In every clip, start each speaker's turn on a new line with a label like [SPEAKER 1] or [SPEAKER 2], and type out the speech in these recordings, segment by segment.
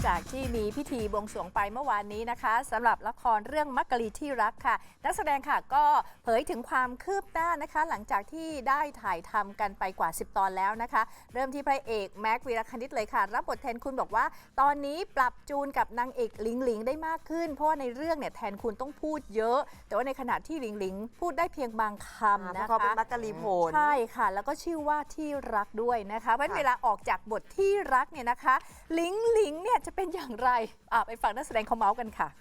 [SPEAKER 1] จากที่มีพิธีบวงสรวงไปเมื่อวานนี้นะคะสำหรับละครเรื่องมักกะลีที่รักค่ะนักแสดงค่ะก็เผยถึงความคืบหน้านะคะ หลังจากที่ได้ถ่ายทำกันไปกว่า10 ตอนแล้วนะคะ เริ่มที่พระเอกแม็กวีรคณิตเลยค่ะรับบทแทนคุณบอกว่า ตอนนี้ปรับจูนกับนางเอกหลิงหลิงได้มากขึ้นเพราะว่าในเรื่องเนี่ยแทนคุณต้องพูดเยอะ แต่ว่าในขณะที่หลิงหลิงพูดได้เพียงบางคำนะคะ
[SPEAKER 2] เขาเป็นมักกะลีโผล
[SPEAKER 1] ใช่ค่ะ แล้วก็ชื่อว่าที่รักด้วยนะคะเพราะฉะนั้นเวลาออกจากบทที่รักเนี่ยนะคะหลิงหลิงเนี่ยจะเป็นอย่างไรไปฟังนักแสดงเขาเมาส์กันค่ะ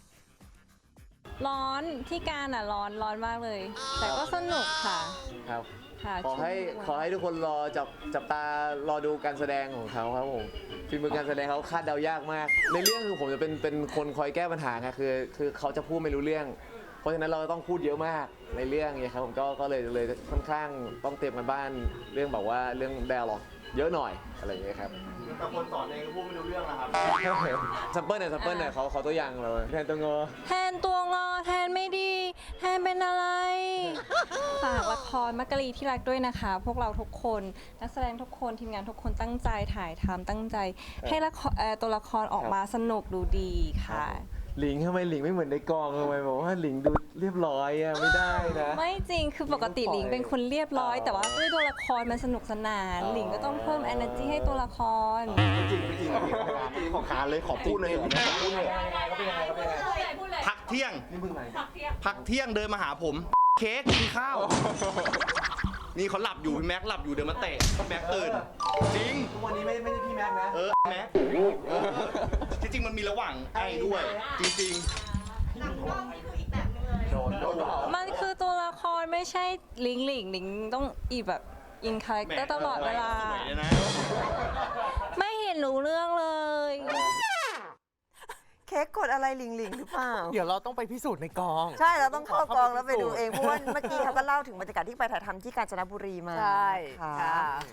[SPEAKER 3] ร้อนที่การอ่ะร้อนมากเลย แต่ก็สนุกค่ะ
[SPEAKER 4] ครับ
[SPEAKER 3] ค่ะ
[SPEAKER 4] ขอให้ทุกคนรอจับตารอดูการแสดงของเขาครับผมฝีมือการแสดงเขาคาดเดายากมาก ในเรื่องคือผมจะเป็นคนคอยแก้ปัญหาไงคือเขาจะพูดไม่รู้เรื่อง เพราะฉะนั้นเราต้องพูดเยอะมากในเรื่องเนี่ยครับผมก็เลยค่อนข้างต้องเตรียมกันบ้านเรื่องแบบว่าเรื่อง dialog เยอะหน่อยอะไรอย่างเงี้ยครับ
[SPEAKER 5] แต่คนสอนเองก็พูดไม่รู้เรื่องนะครับ
[SPEAKER 4] ซัมเปิลหน่อยเขาตัวอย่างเลยแทนตัวงอ
[SPEAKER 3] แทนตัวงอแทนไม่ดี แทนเป็นอะไร ฝากละครมักกะลีที่รักด้วยนะคะ พวกเราทุกคนนักแสดงทุกคนทีมงานทุกคนตั้งใจถ่ายทำตั้งใจ ให้ละครตัวละครออกมาสนุกดูดีค่ะ
[SPEAKER 4] หลิงทำไมหลิงไม่เหมือนในกองทำไมบอกว่าหลิงดูเรียบร้อยอะไม่ได้นะ
[SPEAKER 3] ไม่จริงคือปกติหลิงเป็นคนเรียบร้อย แต่ว่าด้วยตัวละครมันสนุกสนาน หลิงก็ต้องเพิ่ม energy ให้ตัวละคร
[SPEAKER 5] จริงขอการเลยขอพูดเลยพักเที่ยงพักเที่ยงเดินมาหาผม เค้กกินข้าว นี่เขาหลับอยู่พี่แม็กหลับอยู่เดินมาเตะแม็กตื่น จริง
[SPEAKER 4] วันนี้ไม่ใช่พี่แม็กนะ
[SPEAKER 5] แม็กที่จริงมันมีระหว่างไอ้ด้วย จริง
[SPEAKER 3] มันคือตัวละครไม่ใช่หลิงต้องอีแบบอินคาแรค
[SPEAKER 5] ๆ
[SPEAKER 3] เตอร์ตลอดเวลา
[SPEAKER 5] สวยเลยนะ
[SPEAKER 3] ไม่เห็นรู้เรื่องเลย
[SPEAKER 2] เค้กกดอะไรหลิงหลิงหรือเปล่า
[SPEAKER 6] เดี๋ยวเราต้องไปพิสูจน์ในกอง
[SPEAKER 2] ใช่เราต้องเข้ากองแล้วไปดูเองเพราะว่าเมื่อกี้เขาก็เล่าถึงบรรยากาศที่ไปถ่ายทำที่กาญจนบุรีมา
[SPEAKER 1] ใช่
[SPEAKER 2] ค่ะ
[SPEAKER 1] ค่ะ